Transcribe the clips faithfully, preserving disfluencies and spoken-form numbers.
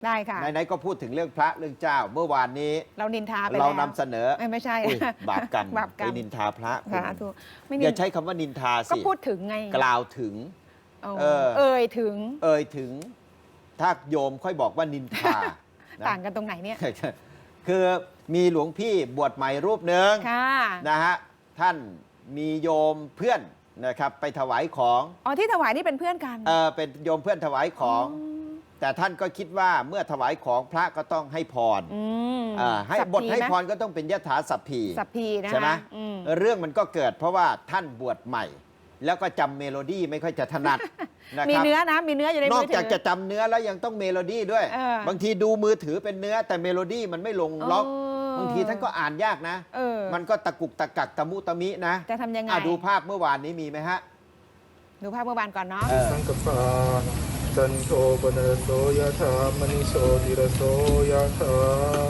ได้ค่ะไหนๆก็พูดถึงเรื่องพระเรื่องเจ้าเมื่อวานนี้เรานินทาไปแล้วเรานำเสนอไม่ใช่บาปกรรมบาปกรรมไปนินทาพระสาธุไม่อย่าใช้คำว่านินทาก็สิพูดถึงไงกล่าวถึงเออเอ่ยถึงเอ่ยถึงถ้าโยมค่อยบอกว่านินทาต่างกันตรงไหนเนี่ยคือมีหลวงพี่บวชใหม่รูปหนึ่งค่ะนะฮะท่านมีโยมเพื่อนนะครับไปถวายของอ๋อที่ถวายนี่เป็นเพื่อนกันเออเป็นโยมเพื่อนถวายของ แต่ท่านก็คิดว่าเมื่อถวายของพระก็ต้องให้พรอืมอ่าให้สัพบทพีให้ไหมพรก็ต้องเป็นยถาสัพพีสัพพีนะคะใช่ไหมอืมเรื่องมันก็เกิดเพราะว่าท่านบวชใหม่ แล้วก็จำเมโลดี้ไม่ค่อยจะถนัด นะมีครับเนื้อนะมีเนื้ออยู่ในนมือกอถืจากจะจำเนื้อแล้วยังต้องเมโลดี้ด้วยเออบางทีดูมือถือเป็นเนื้อแต่เมโลดี้มันไม่ลงล็อกเออบางทีท่านก็อ่านยากนะเออมันก็ตะกุกตะกักตะมุตะมินะจะทำยังไงอ่ะดูภาพเมื่อวานนี้มีไหมฮะดูภาพเมื่อวานก่อนเนาะเออสังกปาจันโทปนรโสยถามณิโชติรโสยถา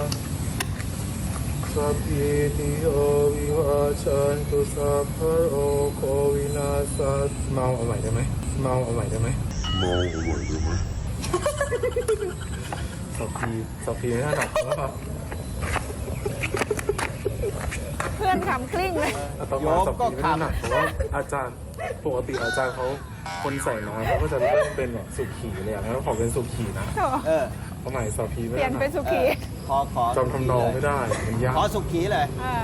สัพพิติโยวิวาชันตุสัพพะโรโควินาศเมาเอาใหม่ได้ไหมเมาเอาใหม่ได้ไหมเมาเอาใหม่ได้ไหมสัพพีสัพพีไม่ถนัดนะครับเพื่อนขำกลิ้งเลยอาตมาสัพพีไม่ถนัดเพราะว่าอาจารย์ปกติอาจารย์เขาคนใส่น้อยเขาก็จะเริ่มเป็นแบบสุขีเลยอย่างนั้นขอเป็นสุขีนะเออเอาใหม่สัพพีไม่เปลี่ถยนนัเป็นดสุขีขอขอจำทำนองไม่ได้มันยากขอสุขีเลยเออ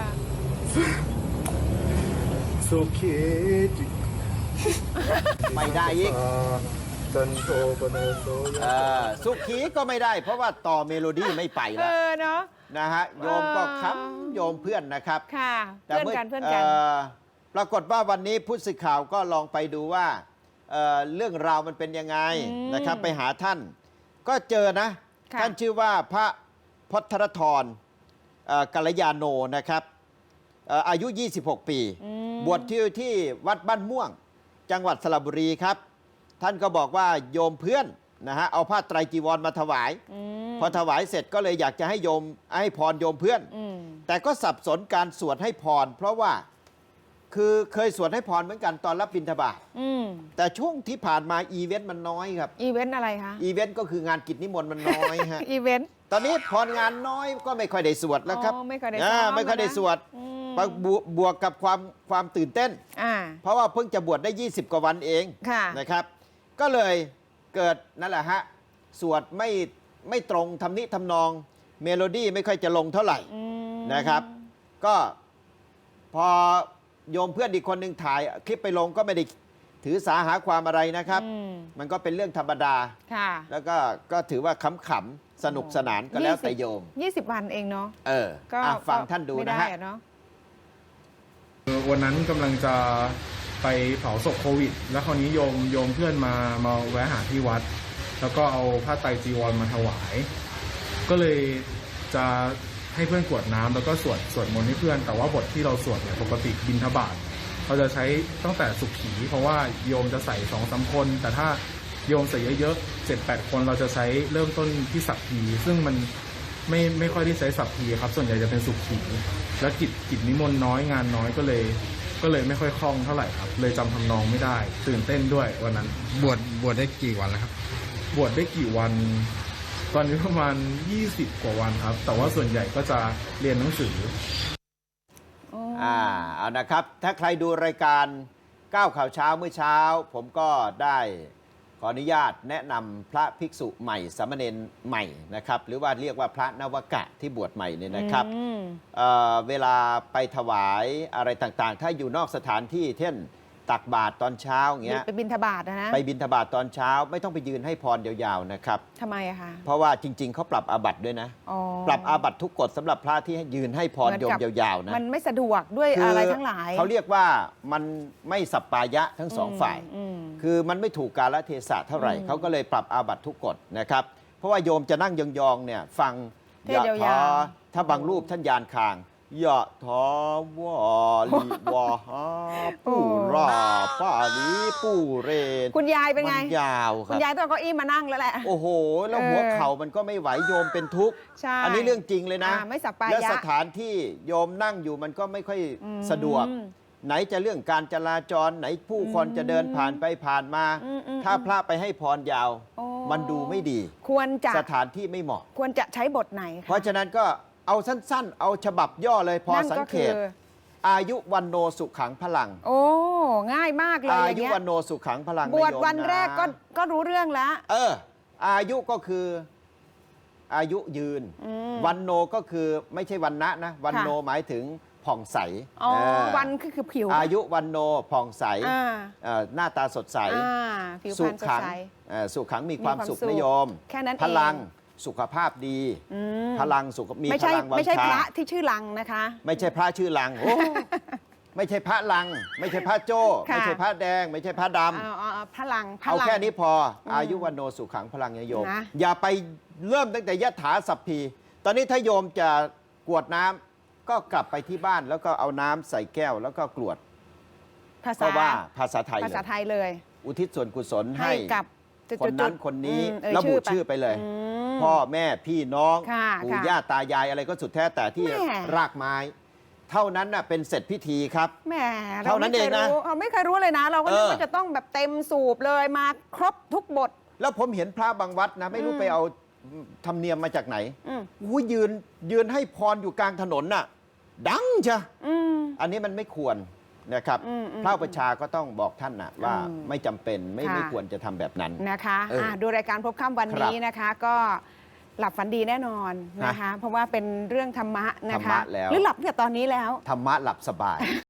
สุขีจิไม่ได้อีกจันโทปนโสยเออสุขีก็ไม่ได้ เพราะว่าต่อเมโลดี้ไม่ไปเอแล้วอเนาะนะฮะโยมก็เออค้ำโยมเพื่อนนะครับค่ะแต่เพื่อนกันเพื่อนกันปรากฏว่าวันนี้ผู้สื่อข่าวก็ลองไปดูว่าเอ่อเรื่องราวมันเป็นยังไงอืมนะครับ ไปหาท่าน ก็เจอนะค่ะท่านชื่อว่าพระพัทรธรเอ่อกัลยาโนนะครับเอ่ออายุ ยี่สิบหก ปีอืมบวชที่ที่วัดบ้านม่วง จังหวัดสระบุรีครับ ท่านก็บอกว่าโยมเพื่อนนะฮะเอาผ้าไตรจีวรมาถวายอืมพอถวายเสร็จก็เลยอยากจะให้โยมให้พรโยมเพื่อนอืมแต่ก็สับสนการสวดให้พร เพราะว่าคือเคยสวดให้พรเหมือนกันตอนรับบิณฑบาตอืมแต่ช่วงที่ผ่านมาอีเวนต์มันน้อยครับอีเวนต์อะไรคะอีเวนต์ก็คืองานกิจนิมนต์มันน้อยฮะอีเวนต์ตอนนี้พรงานน้อยก็ไม่ค่อยได้สวดแล้วครับอ๋อไม่ค่อยได้าซ้อมไม่ค่อยได้นะสวดอืมบวบวกกับความความตื่นเต้นอ่าเพราะว่าเพิ่งจะบวชได้ ยี่สิบ กว่าวันเองค่ะนะครับ ก็เลยเกิดนั่นแหละฮะสวดไม่ไม่ตรงทำนิทำนองเมโลดี้ไม่ค่อยจะลงเท่าไหร่อืมนะครับ ก็พอโยมเพื่อนอีกคนหนึ่งถ่ายคลิปไปลงก็ไม่ได้ถือสาหาความอะไรนะครับอืมมันก็เป็นเรื่องธรรมดาค่ะแล้วก็ก็ถือว่าขำๆสนุกสนานก็แล้วแต่โยมยี่สิบวันเองเนาะเออก็อ่ะฟังท่านดูไม่นะได้ฮะอเนาะวันนั้นกำลังจะไปเผาศพโควิด แล้วคราวนี้โยมโยมเพื่อนมามาแวะหาที่วัด แล้วก็เอาผ้าไตรจีวรมาถวาย ก็เลยจะให้เพื่อนกรวดน้ำแล้วก็สวดสวดมนต์ให้เพื่อน แต่ว่าบทที่เราสวดเนี่ยปกติบิณฑบาตเราจะใช้ตั้งแต่สุขี เพราะว่าโยมจะใส่สองสามคน แต่ถ้าโยมใส่เยอะๆเจ็ดแปดคนเราจะใช้เริ่มต้นที่สัพพี ซึ่งมันไม่ไม่ค่อยได้ใช้สัพพีครับ ส่วนใหญ่จะเป็นสุขี แล้วกิจกิจนิมนต์น้อยงานน้อยก็เลย ก็เลยไม่ค่อยคล่องเท่าไหร่ครับ เลยจำทำนองไม่ได้ ตื่นเต้นด้วยวันนั้นบวชบวชได้กี่วันแล้วครับบวชได้กี่วัน ตอนนี้ประมาณยี่สิบกว่าวันครับ แต่ว่าส่วนใหญ่ก็จะเรียนหนังสืออ่าเอานะครับ ถ้าใครดูรายการก้าวข่าวเช้าเมื่อเช้า ผมก็ได้ขออนุญาตแนะนำพระภิกษุใหม่สามเณรใหม่นะครับ หรือว่าเรียกว่าพระนวกะที่บวชใหม่เนี่ยนะครับอืมเอ่อเวลาไปถวายอะไรต่างๆ ถ้าอยู่นอกสถานที่เช่นตักบาตรตอนเช้าอย่างเงี้ยไปบินทบาทนะนะไปบิณฑบาตตอนเช้าไม่ต้องไปยืนให้พรยาวๆนะครับทำไมอะคะเพราะว่าจริง ๆเขาปรับอาบัติด้วยนะอ๋อปรับอาบัติทุกกฎสำหรับพระที่ให้ยืนให้พรเหมือนโยมกับยาวๆนะมันไม่สะดวกด้วยคือะไรทั้งหลายเขาเรียกว่ามันไม่สัปปายะทั้งสองฝ่ายอืมคือมันไม่ถูกกาลเทศะเท่าไหร่อืมเขาก็เลยปรับอาบัติทุกกฎนะครับ เพราะว่าโยมจะนั่งยองๆเนี่ยฟังเทศยาวๆถาถ้าบางรูปท่านยานคางยะทาวาลิวาหาปูราปาลีปูเรนคุณยายเป็นไงมันยาวคคุรัณบยายต้องเอาเก้าอี้มานั่งแล้วแหละโอ้โห แล้วเออหัวเข่ามันก็ไม่ไหวโยมเป็นทุกข์ใช่อันนี้เรื่องจริงเลยนะอ่าไม่สัปปายะและสถานที่โยมนั่งอยู่มันก็ไม่ค่อยอืมสะดวก ไหนจะเรื่องการจราจรไหนผู้คนอืมจะเดินผ่านไปผ่านมาอืมอืมถ้าพระไปให้พรยาวโอ้โมันดูไม่ดีควรจะสถานที่ไม่เหมาะควรจะใช้บทไหนคเพราะฉะนั้นก็เอาสั้นๆ เอาฉบับย่อเลยพอนั่นสังก็เกคือต อายุวันโนสุขังพลังโอ้ง่ายมากเลยอาอย่างยุเงี้ยวันโนสุขังพลังบวชนะโยมวันแรกก็นะก็รู้เรื่องแล้วเออ อายุก็คืออายุยืนอืมวันโนก็คือไม่ใช่วันนะนะ วันค่ะโนหมายถึงผ่องใสอ๋อเออวันก็คือผิวอายุวันโนผ่องใสอ่าเอ่อหน้าตาสดใสอ่าผิวพรสุรณสดขังใสเอ่อสุขังมีความมีความสุขสุขนิยมแค่นั้นเองพลังสุขภาพดีอืมพลังสุขมีไม่พใช่ลังวังไม่ใช่ชาพระที่ชื่อลังนะคะไม่ใช่พระชื่อลังโอ้ ไม่ใช่พระลัง ไม่ใช่พระโจ้ค่ะไม่ใช่พระแดง ไม่ใช่พระดำเอาเอาเอาพลังพเอาลังแค่นี้พออมอายุวันโนสุขังพลังโยมนะอย่าไปเริ่มตั้งแต่ยถาสัพพี ตอนนี้ถ้าโยมจะกรวดน้ำก็กลับไปที่บ้านแล้วก็เอาน้ำใส่แก้วแล้วก็กรวดภาก็ษาว่าภาษาไทยภาษาเลยไทยเลยอุทิศส่วนกุศลให้ให้กับจุดๆๆคนนั้นคนนี้อืมเอ่ยระบุชื่ชื่ออไปไปเลยอืมพ่อแม่พี่น้องค่ะปู่ค่ะย่าตายายอะไรก็สุดแท้แต่ที่แม่รากไม้ เท่านั้นน่ะเป็นเสร็จพิธีครับแหมเท่านั้นไม่คยเองนะรู้เราไม่เคยรู้เลยนะ เราก็นึกเออว่าจะต้องแบบเต็มสูบเลยมาครบทุกบทแล้วผมเห็นพระบางวัดนะ ไม่รู้อืมไปเอาธรรมเนียมมาจากไหนอืมอู้ยืนยืนให้พรอยู่กลางถนนน่ะ ดังจ้ะอืมอันนี้มันไม่ควรนะครับอืมอืมพระอุปชฌาย์ก็ต้องบอกท่านนะว่าอืมไม่จำเป็นไม่ค่ะไม่ควรจะทำแบบนั้นนะคะเอออ่ะดูรายการพบค่ำวันนี้นะคะ ก็หลับฝันดีแน่นอนนะคะ เพราะว่าเป็นเรื่องธรรมะนะธรรคะมะแล้วหรือหลับตั้งแต่ตอนนี้แล้วธรรมะหลับสบาย